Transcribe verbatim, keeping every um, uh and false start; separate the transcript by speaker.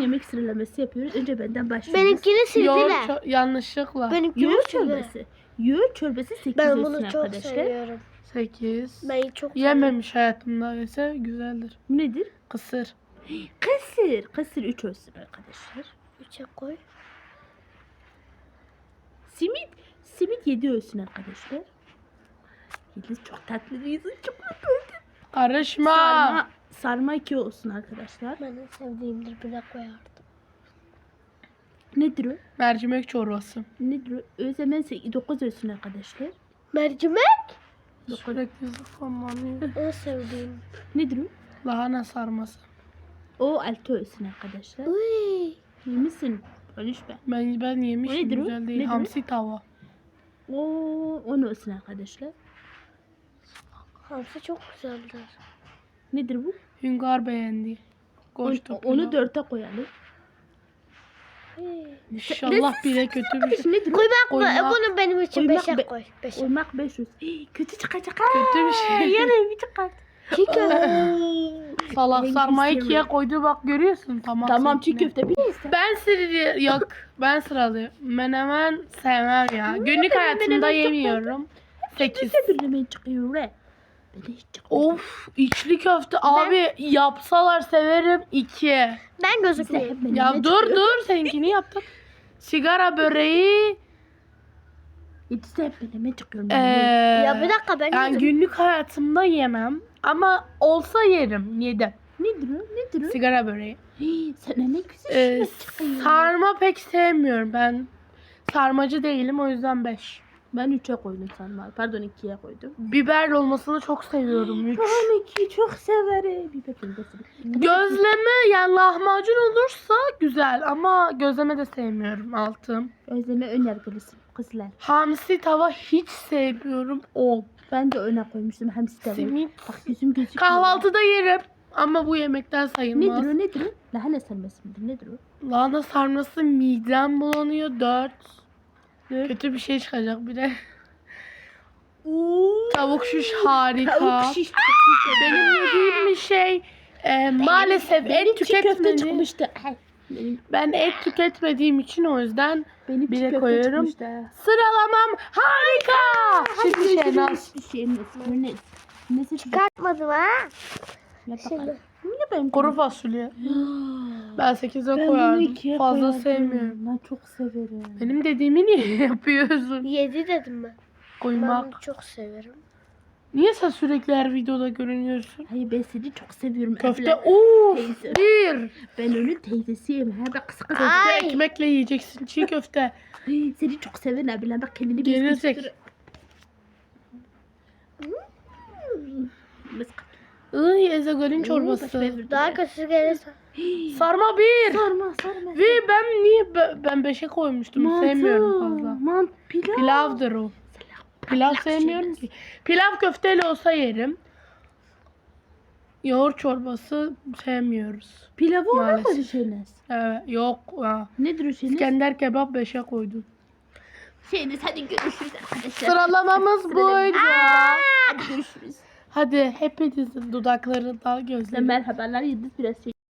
Speaker 1: yemek sıralaması yapıyoruz. Önce benden başlıyoruz.
Speaker 2: Benimkini
Speaker 3: Yoğurt
Speaker 2: sildiler.
Speaker 3: ço- yanlışlıkla.
Speaker 2: Benimkini
Speaker 1: Yoğurt
Speaker 2: sildiler.
Speaker 1: çorbası. Yoğurt çorbası sekiz
Speaker 2: Ben
Speaker 1: olsun
Speaker 2: bunu çok
Speaker 1: arkadaşlar.
Speaker 2: seviyorum.
Speaker 3: sekiz.
Speaker 2: Ben çok seviyorum.
Speaker 3: Yememiş hayatımda ise güzeldir.
Speaker 1: Bu nedir?
Speaker 3: Kısır.
Speaker 1: Kısır. Kısır üç olsun arkadaşlar.
Speaker 2: Üçe koy.
Speaker 1: Simit. Simit yedi olsun arkadaşlar. Yedi çok tatlı bir yüzü. Çok tatlı.
Speaker 3: Karışma.
Speaker 1: Sarma, sarma iki olsun arkadaşlar.
Speaker 2: Ben en sevdiğimdir, bile koyardım.
Speaker 1: Nedir o?
Speaker 3: Mercimek çorbası.
Speaker 1: Nedir o? Özlem dokuz olsun arkadaşlar.
Speaker 2: Mercimek.
Speaker 3: Sürekli zıplamlanıyor.
Speaker 2: En sevdiğim.
Speaker 1: Nedir o?
Speaker 3: Lahana sarması.
Speaker 1: O altı olsun arkadaşlar.
Speaker 2: Uy.
Speaker 1: İyi misin? Konuşma.
Speaker 3: Ben ben yemişim,
Speaker 1: Nedir o?
Speaker 3: güzel değil.
Speaker 1: Nedir o?
Speaker 3: Hamsi tava.
Speaker 1: O on olsun arkadaşlar.
Speaker 2: Hamsi çok güzeldir.
Speaker 1: Nedir bu?
Speaker 3: Hüngar beğendi.
Speaker 1: On,
Speaker 3: Koş
Speaker 1: onu dörte koyalım.
Speaker 2: Uy.
Speaker 3: İnşallah bile kötü bir şey.
Speaker 1: Nedir o?
Speaker 2: Koymak mı?
Speaker 3: Koymak-
Speaker 2: Bunu benim için
Speaker 1: koymak
Speaker 2: beşe
Speaker 1: be-
Speaker 2: koy. Beşe.
Speaker 1: Oymak beş olsun. Hii, kötü çıkacak.
Speaker 3: Kötü bir şey.
Speaker 1: Yarın bir çıkar.
Speaker 2: Çiğ köfte.
Speaker 3: Salak
Speaker 1: Rengi
Speaker 3: sarmayı
Speaker 1: istiyorum.
Speaker 3: ikiye koydu, bak görüyorsun. Tamam.
Speaker 1: Tamam çiğ
Speaker 3: seninki.
Speaker 1: köfte bir iste.
Speaker 3: Ben sıralı yok. Ben sıralı. Menemen sevmem ya. Günlük hayatımda
Speaker 1: menemen çok
Speaker 3: yemiyorum. sekiz.
Speaker 1: Birlemeyi çıkıyor re. Ben de hiç çıkmıyor.
Speaker 3: Of, içli köfte abi yapsalar severim. iki.
Speaker 2: Ben gözükmüyorum.
Speaker 3: Ya dur dur, seninkini yaptık. Sigara böreği.
Speaker 1: Yedisi hep benime çıkıyor.
Speaker 3: Ee,
Speaker 2: Ya bir dakika, ben
Speaker 3: yani
Speaker 2: gözükmüyorum.
Speaker 3: günlük hayatımda yemem. Ama olsa yerim. Yedim.
Speaker 1: Nedir o? Nedir o?
Speaker 3: Sigara böreği.
Speaker 1: Hii, sana ne güzel
Speaker 3: Ee,
Speaker 1: şeyler çıkıyor.
Speaker 3: sarma pek sevmiyorum. Ben sarmacı değilim, o yüzden beş.
Speaker 1: Ben üçe koydum sarmayı. Pardon ikiye koydum.
Speaker 3: Biber olmasını çok seviyorum. üç.
Speaker 1: Ben ikiyi çok severim. Bir bakayım da sana.
Speaker 3: Gözleme, yani lahmacun olursa güzel ama gözleme de sevmiyorum. Altım.
Speaker 1: Özleme ön yargılısın kızlar.
Speaker 3: Hamsi tava hiç sevmiyorum. on.
Speaker 1: Ben de öne koymuştum hamsi tavuğu.
Speaker 3: Simit.
Speaker 1: Bak yüzüm gözüküyor.
Speaker 3: Kahvaltıda yerim ama bu yemekten sayılmaz.
Speaker 1: Nedir o nedir o? Lahana sarması mıdır nedir o?
Speaker 3: Lahana sarması midem bulanıyor. dört.
Speaker 1: Dört.
Speaker 3: Kötü bir şey çıkacak bir de.
Speaker 1: Oo.
Speaker 3: Tavuk şiş harika.
Speaker 1: Tavuk şiş çok güzel.
Speaker 3: Benim yediğim bir şey e, maalesef
Speaker 1: Benim
Speaker 3: et
Speaker 1: çiğ köfte
Speaker 3: tüketmediğim.
Speaker 1: çıkmıştı. Ay, Benim,
Speaker 3: Ben et tüketmediğim için o yüzden
Speaker 1: benim
Speaker 3: bire
Speaker 1: çiğ köfte
Speaker 3: koyuyorum.
Speaker 1: çıkmıştı.
Speaker 3: Sıralamam harika. Şimdi şey nasıl?
Speaker 1: Bir şey ne? Ne? Nesi çıkar?
Speaker 2: Çıkartmadım ha.
Speaker 1: Ya
Speaker 2: Şimdi.
Speaker 1: bakalım. Bu ne benim?
Speaker 3: Kuru fasulye. Ben sekize
Speaker 1: Ben bunu
Speaker 3: koyardım.
Speaker 1: ikiye
Speaker 3: Fazla
Speaker 1: koyardım.
Speaker 3: sevmiyorum.
Speaker 1: Ben çok severim.
Speaker 3: Benim dediğimi niye yapıyorsun?
Speaker 2: Yedi dedim ben. Ben
Speaker 3: Koymak.
Speaker 2: bunu çok severim.
Speaker 3: Niye sen sürekli her videoda görünüyorsun?
Speaker 1: Hayır ben seni çok seviyorum.
Speaker 3: Köfte
Speaker 1: Abla.
Speaker 3: uuu
Speaker 1: Teyze.
Speaker 3: bir.
Speaker 1: Ben onun teyzesiyim. Ha bak kısa kısa.
Speaker 3: Köfte
Speaker 2: Ay.
Speaker 3: ekmekle yiyeceksin, çiğ köfte.
Speaker 1: Ay, seni çok seven abla. Bak kendini
Speaker 3: Gelecek.
Speaker 1: göster. Hmm. Mısk.
Speaker 3: Iy, Ezogol'ün
Speaker 1: Oo,
Speaker 3: çorbası.
Speaker 1: başka bir-
Speaker 2: Daha kötüsü gelirse.
Speaker 3: Sarma bir.
Speaker 1: Sarma sarma.
Speaker 3: Ve ben niye be- ben beşe koymuştum?
Speaker 1: Mantı.
Speaker 3: Sevmiyorum fazla.
Speaker 1: Mant pilav.
Speaker 3: Pilavdır o. Pilav sevmiyorum ki. Pilav köfteli olsa yerim. Yoğurt çorbası sevmiyoruz.
Speaker 1: Pilavı ona
Speaker 3: Maalesef.
Speaker 1: koydu Şeniz.
Speaker 3: Evet, yok. Ha.
Speaker 1: Nedir o Şeniz?
Speaker 3: İskender kebap beşe koydum.
Speaker 1: Şeniz hadi görüşürüz arkadaşlar.
Speaker 3: Sıralamamız buydu.
Speaker 1: Hadi görüşürüz.
Speaker 3: Hadi hepinizin dudaklarından gözlerim.
Speaker 1: Merhabalar Yıldız biraz şey